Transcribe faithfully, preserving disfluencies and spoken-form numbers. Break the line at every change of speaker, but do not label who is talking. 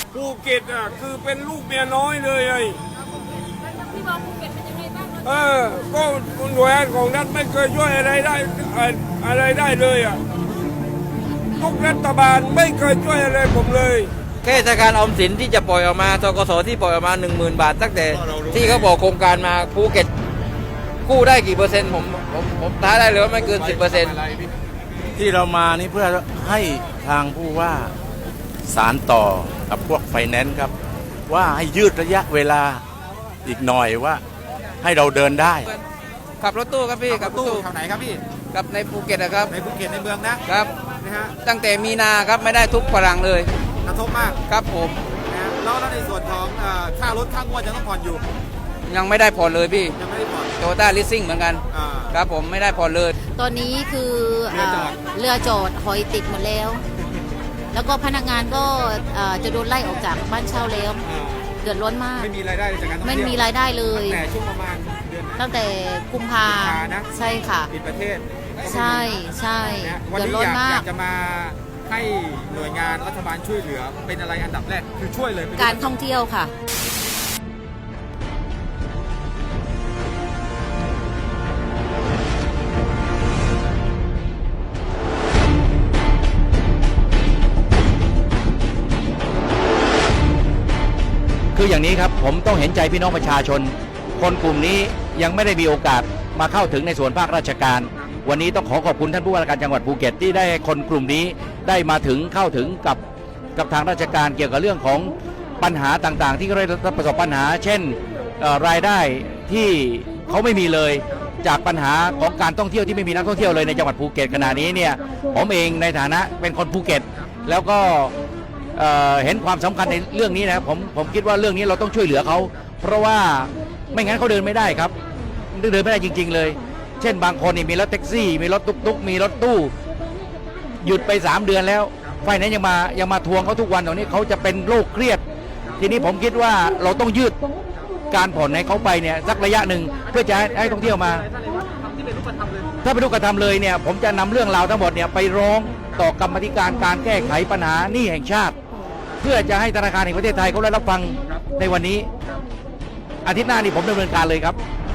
ภูเก็ตอ่ะคือเป็นลูกเมียน้อยเลยไอ้
พี่มองภูเก็ตเป็นยังไงบ้าง
เออก็หน่วยงานของรัฐไม่เคยช่วยอะไรได้อะไรได้เลยอ่ะทุกรัฐบาลไม่เคยช่วยอะไรผมเลย
แค่ธนาคารออมสินที่จะปล่อยออกมาธกสที่ปล่อยออกมาหนึ่งหมื่นบาทตั้งแต่ที่เขาบอกโครงการมาภูเก็ตกู้ได้กี่เปอร์เซ็นต์ผมผมผมท้าได้เลยว่าไม่เกินสิบเปอร์เซ็นต์
ที่เรามานี่เพื่อให้ทางผู้ว่าสารต่อกับพวกไฟแนนซ์ครับว่าให้ยืดระยะเวลาอีกหน่อยว่าให้เราเดินได้
ขับรถตู้ครับพี่
ขับตู้แถวไหนครับพี่
กับในภูเก็ตนะครับ
ในภูเก็ตในเมืองนะครับ นะฮะ
ตั้งแต่มีนาครับไม่ได้ทุกพลังเลย
กระทบมาก
ครับผม
นะฮะแล้วแล้วในส่วนของเอ่อค่ารถค่างวดยังต้องผ่อนอยู่
ยังไม่ได้ผ่อนเลยพี่
ยังไม่ได้ผ่อน
โตต้าลิสซิ่งเหมือนกัน
อ่า
ครับผมไม่ได้ผ่อนเลย
ตอนนี้คือ
เรือจอด
เรือจอดหอยติดหมดแล้ว แล้วก็พนักงานก็เอ่อจะโดนไล่ออกจากบ้านเช่าแล้ว
อ่า
เดือดร้อนมาก
ไม่มีรายได้เลยจากการท่อง
ไม่
เที่ยว
มีรายได้เลย
แต่ช่วงประมาณเดือนไหน
ตั้งแต่กุมภา
กุมภานะ
ใช่ค่ะ
ปิดประเทศ
ใช่ใช่
นะฮะวัน
เดือด
นี้
ร้อ
อน ยาก
มา
อยาก กจะมาให้หน่วยงานรัฐบาลช่วยเหลือเป็นอะไรอันดับแรกคือช่วยเลยเป็น
การท่องเที่ยวค่ะ
คืออย่างนี้ครับผมต้องเห็นใจพี่น้องประชาชน คนกลุ่มนี้ยังไม่ได้มีโอกาสมาเข้าถึงในส่วนภาคราชการ วันนี้ต้องขอขอบคุณท่านผู้ว่าราชการจังหวัดภูเก็ตที่ได้ให้คนกลุ่มนี้ได้มาถึงเข้าถึงกับกับทางราชการเกี่ยวกับเรื่องของปัญหาต่างๆ ที่เขาได้ประสบปัญหา เช่นเอ่อรายได้ที่เขาไม่มีเลยจากปัญหาของการท่องเที่ยวที่ไม่มีนักท่องเที่ยวเลยในจังหวัดภูเก็ตขณะนี้เนี่ยผมเองในฐานะเป็นคนภูเก็ตแล้วก็ เอ่อเห็นความสำคัญในเรื่องนี้นะครับผมผมคิดว่าเรื่องนี้เราต้องช่วยเหลือเขาเพราะว่าไม่งั้นเขาเดินไม่ได้ครับเดินไม่ได้จริงๆเลย เช่นบางคนนี่มีรถแท็กซี่ มีรถตุ๊กๆมีรถตู้หยุดไปสามเดือนแล้วไฟนั้นยังมายังมาทวงเขาทุกวันตรงนี้เขาจะเป็นโรคเครียด ทีนี้ผมคิดว่าเราต้องยืดการผ่อนให้เขาไปเนี่ยสักระยะหนึ่งเพื่อจะให้ให้ท่องเที่ยวมา ถ้าเป็นรูปกระทำเลยเนี่ยผมจะนำเรื่องราวทั้งหมดเนี่ยไปร้องต่อกรรมาธิการการแก้ไขปัญหาหนี้แห่งชาติ เพื่อจะให้ธนาคารแห่งประเทศไทยเขาได้รับฟังในวันนี้อาทิตย์หน้านี่ผมดำเนินการเลยครับ